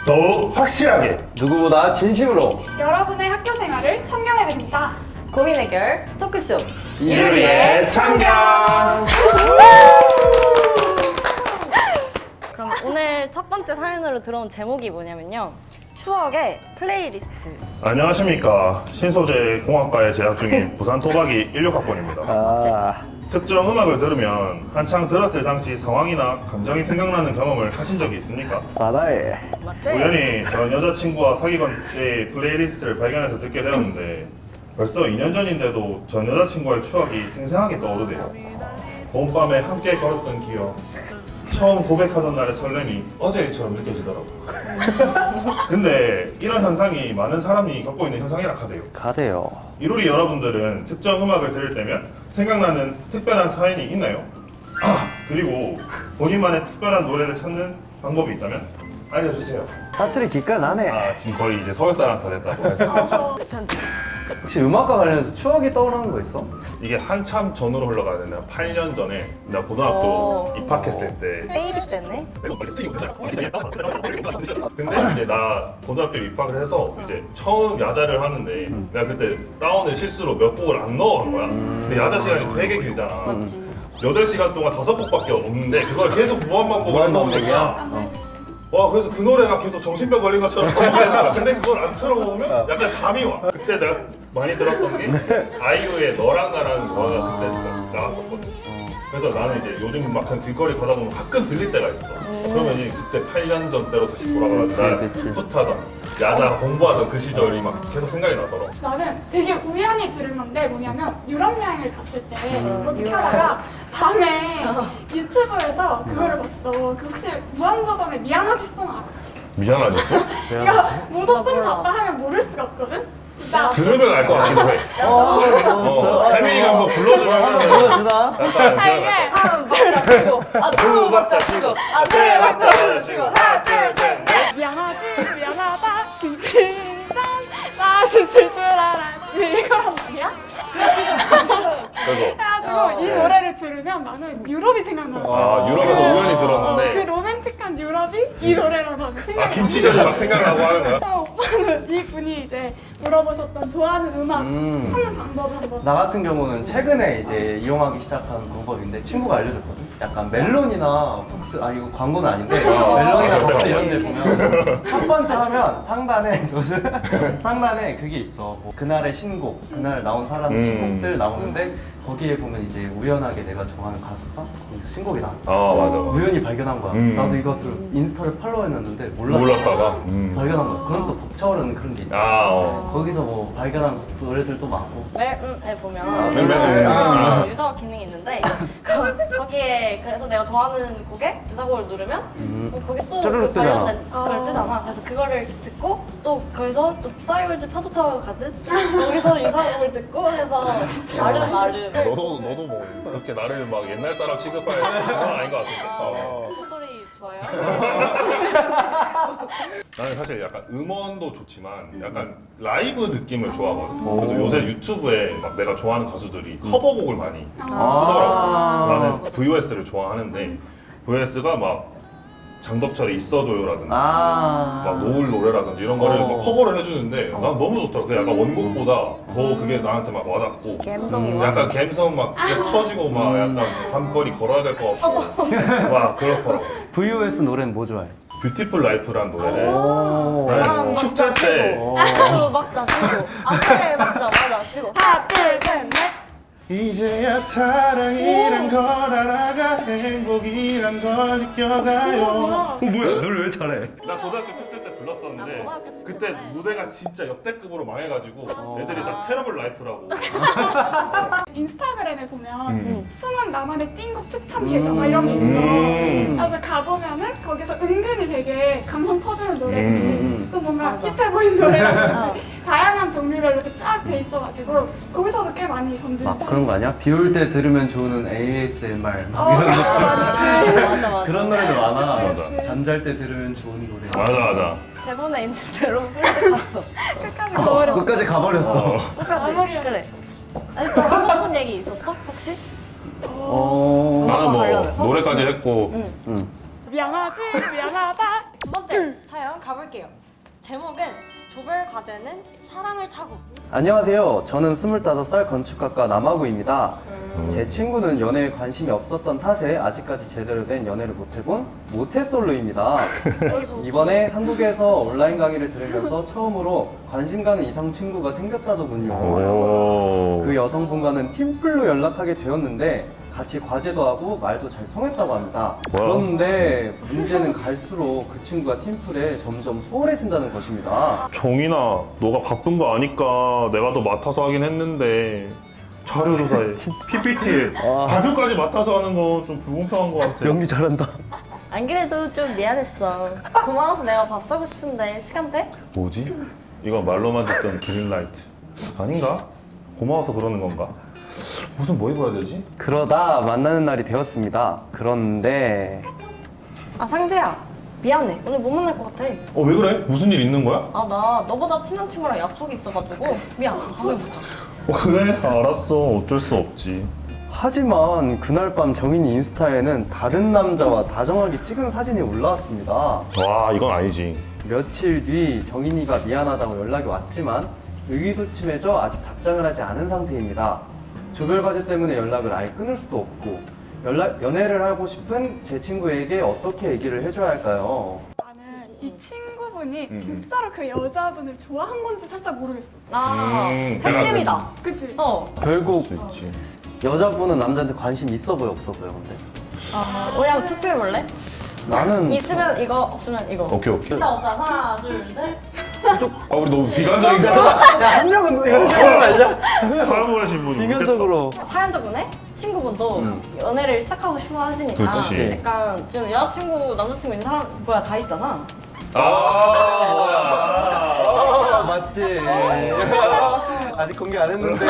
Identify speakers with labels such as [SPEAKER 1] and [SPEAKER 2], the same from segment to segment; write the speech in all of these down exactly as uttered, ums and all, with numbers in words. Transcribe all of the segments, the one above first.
[SPEAKER 1] 더욱 확실하게
[SPEAKER 2] 누구보다 진심으로
[SPEAKER 3] 여러분의 학교 생활을 청년해드립니다.
[SPEAKER 4] 고민 해결 토크쇼
[SPEAKER 1] 이루리의 참견.
[SPEAKER 4] 그럼 오늘 첫 번째 사연으로 들어온 제목이 뭐냐면요, 추억의 플레이리스트.
[SPEAKER 1] 안녕하십니까. 신소재 공학과에 재학 중인 부산 토박이 십육 학번입니다.
[SPEAKER 2] 아
[SPEAKER 1] 특정 음악을 들으면 한창 들었을 당시 상황이나 감정이 생각나는 경험을 하신 적이 있습니까?
[SPEAKER 2] 사다에
[SPEAKER 4] 맞지?
[SPEAKER 1] 우연히 전 여자친구와 사귀건 때의 플레이리스트를 발견해서 듣게 되었는데 벌써 이 년 전인데도 전 여자친구와의 추억이 생생하게 떠오르네요. 봄밤에 함께 걸었던 기억, 처음 고백하던 날의 설렘이 어제처럼 느껴지더라고요. 근데 이런 현상이 많은 사람이 겪고 있는 현상이라 하대요.
[SPEAKER 2] 가대요.
[SPEAKER 1] 이루리 여러분들은 특정 음악을 들을 때면 생각나는 특별한 사연이 있나요? 아, 그리고 본인만의 특별한 노래를 찾는 방법이 있다면 알려주세요.
[SPEAKER 2] 사투리 기깔 나네.
[SPEAKER 1] 아, 지금 거의 이제 서울 사람 다 됐다고 했습니다.
[SPEAKER 4] 편집.
[SPEAKER 2] 혹시 음악과 관련해서 추억이 떠오르는 거 있어?
[SPEAKER 1] 이게 한참 전으로 흘러가야 되나? 팔 년 전에 나 고등학교
[SPEAKER 4] 오.
[SPEAKER 1] 입학했을 때
[SPEAKER 4] 베이비 때네.
[SPEAKER 1] 근데 이제 나 고등학교 입학을 해서 이제 처음 야자를 하는데 내가 그때 다운을 실수로 몇 곡을 안 넣어간 거야. 근데 야자 시간이 되게 길잖아.
[SPEAKER 4] 맞지.
[SPEAKER 1] 여덟 시간 동안 다섯 곡밖에 없는데 그걸 계속 무한반복을 한다는 거야. 와, 그래서 그 노래가 계속 정신병 걸린 것처럼 반복되는 거야. 근데 그걸 안 틀어보면 약간 잠이 와. 그때 내가 많이 들었던 게 아이유의 너랑 나라는 노래가 그때 나왔었거든. 그래서 나는 이제 요즘 막 그냥 길거리 가다 보면 가끔 들릴 때가 있어. 그러면 이제 그때 팔 년 전 때로 다시 돌아가서 나
[SPEAKER 2] 그치, 그치.
[SPEAKER 1] 풋하던 야자 공부하던 그 시절이 막 계속 생각이 나더라고.
[SPEAKER 3] 나는 되게 우연히 들은 건데 뭐냐면 유럽 여행을 갔을 때
[SPEAKER 4] 음,
[SPEAKER 3] 어떻게
[SPEAKER 4] 유럽.
[SPEAKER 3] 하다가 밤에 유튜브에서 그거를 봤어. 그 혹시 무한도전의 미안하지 송 알아?
[SPEAKER 1] 미안하셨어?
[SPEAKER 3] 이거 모도 좀
[SPEAKER 4] 몰라.
[SPEAKER 3] 봤다 하면 모를 수가 없거든? 진짜
[SPEAKER 1] 들으면 알 것 같기도 해.
[SPEAKER 2] 어,
[SPEAKER 1] 어, 혜민이가 한번 불러주면
[SPEAKER 2] 불러주나?
[SPEAKER 1] 약간
[SPEAKER 3] 아, 이게
[SPEAKER 4] 한 박자 치고, 아 두 박자 치고, 아 세 박자 치고, 하나 둘 셋 넷.
[SPEAKER 3] 미안하지 미안하다 김치전 맛있을 줄 알았지 이거란 말이야?
[SPEAKER 1] 그래서
[SPEAKER 3] 그래가지고 이 노래를 들으면 나는 유럽이 생각나는 거야.
[SPEAKER 1] 아, 유럽에서 우연히
[SPEAKER 3] 어, 그
[SPEAKER 1] 들었는데
[SPEAKER 3] 로맨틱한 유럽이 이 노래로 나는
[SPEAKER 1] 아,
[SPEAKER 3] 생각나.
[SPEAKER 1] 김치전이 막 생각나고 하는 거야?
[SPEAKER 3] 어, 오빠는 이 분이 이제 물어보셨던 좋아하는 음악
[SPEAKER 2] 음.
[SPEAKER 3] 찾는 방법을 한번.
[SPEAKER 2] 나 같은 경우는 최근에 이제 이용하기 시작한 방법인데 친구가 알려줬거든? 약간 멜론이나 폭스, 아 이거 광고는 아닌데
[SPEAKER 1] 어,
[SPEAKER 2] 멜론이나
[SPEAKER 1] 맞아,
[SPEAKER 2] 폭스
[SPEAKER 1] 맞아.
[SPEAKER 2] 이런 데 보면 첫 번째 하면 상단에 상단에 그게 있어. 뭐 그날의 신곡, 그날 나온 사람
[SPEAKER 1] 음.
[SPEAKER 2] 신곡들 나오는데 거기에 보면 이제 우연하게 내가 좋아하는 가수가 거기서 신곡이 나와.
[SPEAKER 1] 아, 맞아.
[SPEAKER 2] 우연히 발견한 거야.
[SPEAKER 1] 음.
[SPEAKER 2] 나도 이것을 인스타를 팔로우했는데 몰랐다가
[SPEAKER 1] 몰랐다가 음.
[SPEAKER 2] 발견한 거야. 그럼 또 벅차오르는 그런 게 있다.
[SPEAKER 1] 아, 어.
[SPEAKER 2] 거기서 뭐 발견한 노래들도 많고.
[SPEAKER 4] 멜에 보면
[SPEAKER 1] 멜, 멜, 멜. 아.
[SPEAKER 4] 유사 기능이 있는데 거, 거기에 그래서 내가 좋아하는 곡에 유사곡을 누르면
[SPEAKER 2] 음.
[SPEAKER 4] 어, 거기 또
[SPEAKER 2] 쭈르륵
[SPEAKER 4] 그
[SPEAKER 2] 뜨잖아.
[SPEAKER 4] 관련된 걸 뜨잖아. 그래서 그거를 듣고 또 거기서 또 싸이월드 파도 타고 가듯 거기서 유사곡을 듣고 해서 나름 나름
[SPEAKER 1] 너도 너도 뭐 그렇게 나를 막 옛날 사람 취급할 그건 아닌 것 같은데. 어.
[SPEAKER 4] 소리 좋아요?
[SPEAKER 1] 나는 사실 약간 음원도 좋지만 약간 라이브 느낌을 좋아하거든. 그래서 요새 유튜브에 막 내가 좋아하는 가수들이 커버곡을 많이 쓰더라고. 나는 브이오에스를 좋아하는데 브이오에스가 막 장덕철의 있어줘요라든지
[SPEAKER 2] 아.
[SPEAKER 1] 막 노을 노래라든지 이런 거를
[SPEAKER 2] 어.
[SPEAKER 1] 막 커버를 해주는데 난 너무 좋더라고. 그게 약간 원곡보다 더 그게 나한테 막 와닿고
[SPEAKER 4] 갬성이
[SPEAKER 1] 음,
[SPEAKER 4] 와?
[SPEAKER 1] 약간 갬성 막 진짜 터지고 막 약간 밤거리 걸어야 될 것 같고 막 그렇더라고.
[SPEAKER 2] 브이오에스 노래는 뭐 좋아해?
[SPEAKER 1] 뷰티풀 라이프라는 노래를
[SPEAKER 2] 오.
[SPEAKER 1] 나는 축제 때
[SPEAKER 2] 오.
[SPEAKER 4] 두 박자 치고 아세 박자 맞아 치고
[SPEAKER 3] 하나 둘셋넷
[SPEAKER 1] 이제야 사랑이란 걸 알아가 행복이란 걸 느껴가요.
[SPEAKER 2] 어, 뭐야? 노래 왜 잘해?
[SPEAKER 1] 나 고등학교 축제 때 불렀었는데
[SPEAKER 4] 아, 고등학교 축제
[SPEAKER 1] 그때
[SPEAKER 4] 때.
[SPEAKER 1] 무대가 진짜 역대급으로 망해가지고
[SPEAKER 2] 어.
[SPEAKER 1] 애들이 다 테러블 라이프라고.
[SPEAKER 3] 인스타그램에 보면
[SPEAKER 1] 음.
[SPEAKER 3] 숨은 나만의 띵곡 추천 계정 막 이런 게 있어.
[SPEAKER 1] 음.
[SPEAKER 3] 그래서 가보면은 거기서 은근히 되게 감성 퍼지는 노래든지
[SPEAKER 2] 음.
[SPEAKER 3] 좀 뭔가
[SPEAKER 4] 맞아.
[SPEAKER 3] 힙해 보이는 노래라든지 다양한 종류별로 이렇게 쫙 돼 있어가지고 거기서도 꽤 많이 건지는
[SPEAKER 2] 막 그런 거 아니야? 비 올 때 들으면 좋은 에이에스엠알 막
[SPEAKER 3] 어,
[SPEAKER 2] 이런 거.
[SPEAKER 3] 맞지.
[SPEAKER 4] 맞아 맞아
[SPEAKER 2] 그런 노래도 많아.
[SPEAKER 1] 맞아.
[SPEAKER 2] 잠잘 때 들으면 좋은 노래.
[SPEAKER 1] 맞아 맞아.
[SPEAKER 4] 대본에 있는 대로 훌쩍 갔어.
[SPEAKER 3] 끝까지 거버려.
[SPEAKER 2] 끝까지 가버렸어.
[SPEAKER 1] 어.
[SPEAKER 4] 끝까지
[SPEAKER 3] 마무리야.
[SPEAKER 4] 그래. 아니 또 하고 싶은 얘기 있었어 혹시?
[SPEAKER 2] 어.
[SPEAKER 1] 나는 뭐
[SPEAKER 4] 관련해서?
[SPEAKER 1] 노래까지 했고
[SPEAKER 2] 응.
[SPEAKER 3] 미안하지 미안하다.
[SPEAKER 4] 두 번째 번째 사연 가볼게요. 제목은 조별 과제는 사랑을 타고.
[SPEAKER 2] 안녕하세요. 저는 스물다섯 살 건축학과 남아구입니다. 제 친구는 연애에 관심이 없었던 탓에 아직까지 제대로 된 연애를 못해본 모태솔로입니다. 이번에 한국에서 온라인 강의를 들으면서 처음으로 관심 가는 이성 친구가 생겼다더군요.
[SPEAKER 1] 오.
[SPEAKER 2] 그 여성분과는 팀플로 연락하게 되었는데 같이 과제도 하고 말도 잘 통했다고 합니다. 그런데 문제는 갈수록 그 친구가 팀플에 점점 소홀해진다는 것입니다.
[SPEAKER 1] 정인아, 너가 바쁜 거 아니까 내가 더 맡아서 하긴 했는데 자료 조사에 피피티에
[SPEAKER 2] 아.
[SPEAKER 1] 발표까지 맡아서 하는 건 좀 불공평한 것 같아.
[SPEAKER 2] 연기 잘한다.
[SPEAKER 4] 안 그래도 좀 미안했어. 고마워서 내가 밥 사고 싶은데 시간 돼?
[SPEAKER 1] 뭐지? 이건 말로만 듣던 그린라이트 아닌가? 고마워서 그러는 건가? 무슨 뭐 입어야 되지?
[SPEAKER 2] 그러다 만나는 날이 되었습니다. 그런데
[SPEAKER 4] 아 상재야, 미안해. 오늘 못 만날 것 같아.
[SPEAKER 1] 어, 왜 그래? 무슨 일 있는 거야?
[SPEAKER 4] 아 나 너보다 친한 친구랑 약속이 있어가지고 미안. 다음에 보자.
[SPEAKER 1] 어, 그래? 알았어. 어쩔 수 없지.
[SPEAKER 2] 하지만 그날 밤 정인이 인스타에는 다른 남자와 다정하게 찍은 사진이 올라왔습니다.
[SPEAKER 1] 와, 이건 아니지.
[SPEAKER 2] 며칠 뒤 정인이가 미안하다고 연락이 왔지만 의기소침해져 아직 답장을 하지 않은 상태입니다. 조별과제 때문에 연락을 아예 끊을 수도 없고 연락, 연애를 하고 싶은 제 친구에게 어떻게 얘기를 해줘야 할까요?
[SPEAKER 3] 나는 이 친구분이
[SPEAKER 1] 음.
[SPEAKER 3] 진짜로 그 여자분을 좋아한 건지 살짝 모르겠어.
[SPEAKER 4] 아
[SPEAKER 1] 음,
[SPEAKER 4] 핵심이다.
[SPEAKER 3] 그치?
[SPEAKER 4] 어.
[SPEAKER 2] 결국
[SPEAKER 1] 수 있지.
[SPEAKER 2] 여자분은 남자한테 관심 있어 보여 없어 보여 근데
[SPEAKER 4] 아, 우리 한번 투표해볼래?
[SPEAKER 2] 나는
[SPEAKER 4] 있으면 이거, 없으면 이거.
[SPEAKER 1] 오케이, 오케이.
[SPEAKER 4] 자, 자, 하나, 둘, 셋.
[SPEAKER 1] 아, 우리 너무 비관적인 거야.
[SPEAKER 2] 야한 명은 이거 그런 거 아니야?
[SPEAKER 1] 사람 보내신 분.
[SPEAKER 2] 비관적으로
[SPEAKER 4] 사연 저번에 친구분도
[SPEAKER 2] 음.
[SPEAKER 4] 연애를 시작하고 싶어 하시니까
[SPEAKER 1] 그치.
[SPEAKER 4] 약간 지금 여자친구, 남자친구 있는 사람 뭐야 다 있잖아.
[SPEAKER 1] 아, 뭐야.
[SPEAKER 2] 아, 맞지. 아직 공개 안 했는데.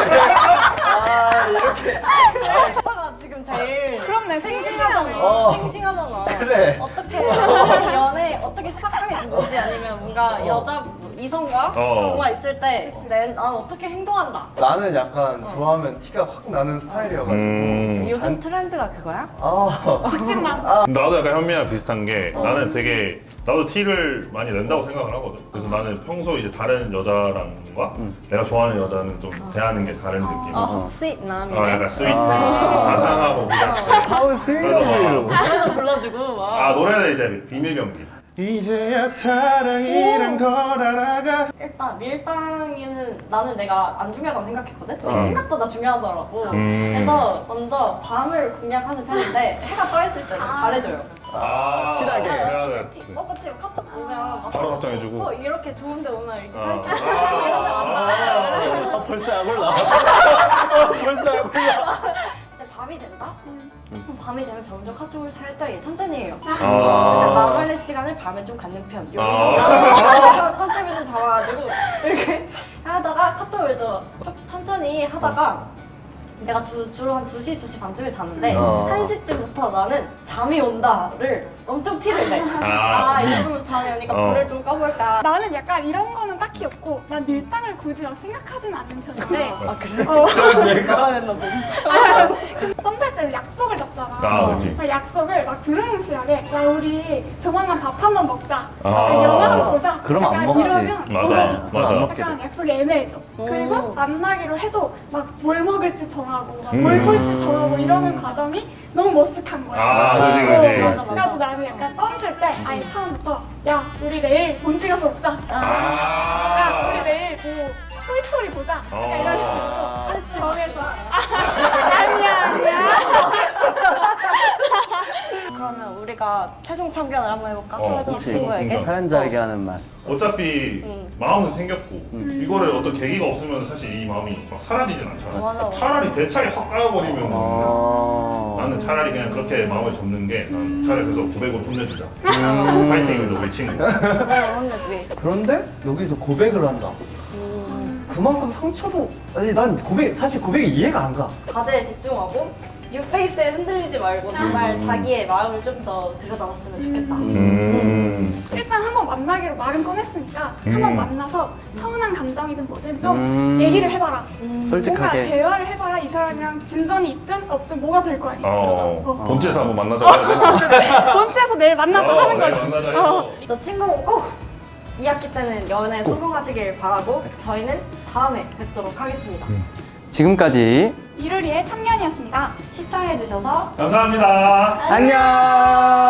[SPEAKER 2] 아, 이렇게.
[SPEAKER 4] 오빠가 지금 제일
[SPEAKER 3] 그렇네,
[SPEAKER 4] 싱싱하잖아.
[SPEAKER 2] 어.
[SPEAKER 4] 싱싱하잖아.
[SPEAKER 2] 그래.
[SPEAKER 4] 어떻게 연애 어떻게 시작하게 된 건지 아니면 뭔가 여자 이성과
[SPEAKER 1] 어.
[SPEAKER 4] 뭔가 있을 때 난 어떻게 행동한다.
[SPEAKER 2] 나는 약간 좋아하면 티가 확 나는 스타일이어가지고.
[SPEAKER 1] 음.
[SPEAKER 4] 요즘 트렌드가 그거야?
[SPEAKER 2] 아,
[SPEAKER 3] 직진만.
[SPEAKER 1] 나도 약간 현미랑 비슷한 게 나는 되게 나도 티를 많이 낸다고 생각을 하거든. 그래서 나는 평소 이제 다른 여자랑과 내가 좋아하는 여자는 좀 대하는 게 다른 느낌.
[SPEAKER 4] 어, 스윗 남이네.
[SPEAKER 1] 어, 약간 스위트하고 가상하고 그냥.
[SPEAKER 2] 아우 스윗해요.
[SPEAKER 4] 노래도 불러주고 막.
[SPEAKER 1] 아, 노래는 이제 비밀 경기. 이제야 사랑이란 걸 알아가.
[SPEAKER 4] 일단 밀당이는 나는 내가 안 중요하다고 생각했거든? 근데
[SPEAKER 1] 음.
[SPEAKER 4] 생각보다 중요하더라고.
[SPEAKER 1] 음.
[SPEAKER 4] 그래서 먼저 밤을 공략하는 편인데 해가 떠 있을 때는 잘해줘요.
[SPEAKER 1] 아,
[SPEAKER 2] 티나게.
[SPEAKER 1] 그래야겠지.
[SPEAKER 4] 어, 그치? 카톡 보면 막
[SPEAKER 1] 바로 답장해주고.
[SPEAKER 4] 어, 이렇게 좋은데 오늘 이렇게
[SPEAKER 1] 어.
[SPEAKER 4] 살짝
[SPEAKER 1] 아.
[SPEAKER 2] 아, 벌써 약 올라. 아, 벌써 약 올라.
[SPEAKER 4] 근데 밤이 된다? 그럼 밤이 되면 점점 카톡을 살짝 천천히 해요.
[SPEAKER 1] 아.
[SPEAKER 4] 나만의 시간을 밤에 좀 갖는 편.
[SPEAKER 1] 아.
[SPEAKER 4] 컨셉을 좀 잡아가지고 이렇게 하다가 카톡을 좀 천천히 하다가 내가 주, 주로 한 두 시, 두 시 반쯤에 자는데
[SPEAKER 2] 어.
[SPEAKER 4] 한 시쯤부터 나는 잠이 온다를 엄청 티를 내.
[SPEAKER 1] 아.
[SPEAKER 4] 아, 이제쯤 잠이 오니까
[SPEAKER 1] 어.
[SPEAKER 4] 불을 좀 꺼볼까.
[SPEAKER 3] 나는 약간 이런 거는 딱히 없고 난 밀당을 굳이 막 생각하진 않는 편인데
[SPEAKER 4] 아, 그래?
[SPEAKER 3] 어,
[SPEAKER 2] 얘가
[SPEAKER 4] 했나 보네.
[SPEAKER 3] 썸 탈 때는 약속을 잡잖아.
[SPEAKER 1] 아, 그치.
[SPEAKER 3] 그 약속을 막 두루뭉실하게 야 우리 조만간 밥 한 번 먹자.
[SPEAKER 1] 아.
[SPEAKER 3] 영화 한 번 보자.
[SPEAKER 2] 그럼 안
[SPEAKER 3] 약간
[SPEAKER 2] 먹지.
[SPEAKER 3] 이러면
[SPEAKER 1] 맞아,
[SPEAKER 3] 먹어줘.
[SPEAKER 1] 맞아.
[SPEAKER 2] 안 먹게
[SPEAKER 3] 약간
[SPEAKER 2] 돼.
[SPEAKER 3] 약속이 애매해져.
[SPEAKER 4] 오.
[SPEAKER 3] 그리고 만나기로 해도 막 뭘 먹을지 정하고 막
[SPEAKER 1] 음.
[SPEAKER 3] 뭘 볼지 정하고 이러는 과정이 너무 머쓱한 거야.
[SPEAKER 1] 아, 그지,
[SPEAKER 3] 어,
[SPEAKER 1] 그지.
[SPEAKER 4] 맞아, 맞아.
[SPEAKER 3] 그래서 나는 약간 던질 때 아예 처음부터 야 우리 내일 본지 가서 먹자. 야
[SPEAKER 1] 아.
[SPEAKER 3] 우리 내일 뭐 토이스토리 보자. 약간
[SPEAKER 1] 어.
[SPEAKER 3] 이런 식으로 정해서 아니야 아니야.
[SPEAKER 4] 그러면 우리가 최종 참견을 한번 해볼까?
[SPEAKER 1] 어,
[SPEAKER 4] 이
[SPEAKER 1] 그치.
[SPEAKER 4] 친구에게.
[SPEAKER 1] 그러니까.
[SPEAKER 2] 사연자에게 하는 말.
[SPEAKER 1] 어차피
[SPEAKER 4] 음.
[SPEAKER 1] 마음은 생겼고 이거를 어떤 계기가 없으면 사실 이 마음이 막 사라지진 않잖아.
[SPEAKER 4] 맞아, 맞아.
[SPEAKER 1] 차라리 대차게 확 까여버리면
[SPEAKER 2] 아.
[SPEAKER 1] 나는 차라리 그냥 그렇게 마음을 접는 게 난 차라리 그래서 고백으로 혼내주자.
[SPEAKER 4] 음.
[SPEAKER 1] 파이팅이도 우리 친구.
[SPEAKER 4] 네, 혼내주기.
[SPEAKER 2] 그런데 여기서 고백을 한다. 그만큼 상처도 아니 난 고백 사실 고백이 이해가 안 가.
[SPEAKER 4] 과제에 집중하고 뉴페이스에 흔들리지 말고 정말 자기의 마음을 좀 더 들여다봤으면 좋겠다.
[SPEAKER 5] 음.
[SPEAKER 3] 일단 한번 만나기로 말은 꺼냈으니까
[SPEAKER 5] 음.
[SPEAKER 3] 한번 만나서 서운한 감정이든 뭐든 좀
[SPEAKER 2] 음.
[SPEAKER 3] 얘기를 해봐라. 뭔가
[SPEAKER 2] 솔직하게.
[SPEAKER 3] 대화를 해봐야 이 사람이랑 진전이 있든 없든 뭐가 될 거 아니야.
[SPEAKER 5] 어.
[SPEAKER 3] 어.
[SPEAKER 5] 본체에서 한번 만나자고 해야 돼.
[SPEAKER 3] 본체에서 내일 만나서
[SPEAKER 5] 어,
[SPEAKER 3] 하는
[SPEAKER 5] 내일
[SPEAKER 3] 거지.
[SPEAKER 5] 만나자
[SPEAKER 3] 어.
[SPEAKER 5] 해서.
[SPEAKER 4] 너 친구 꼭 이 학기 때는 연애 성공하시길 바라고 저희는 다음에 뵙도록 하겠습니다.
[SPEAKER 2] 지금까지
[SPEAKER 3] 이루리의 참견이었습니다.
[SPEAKER 4] 시청해주셔서
[SPEAKER 1] 감사합니다.
[SPEAKER 2] 안녕.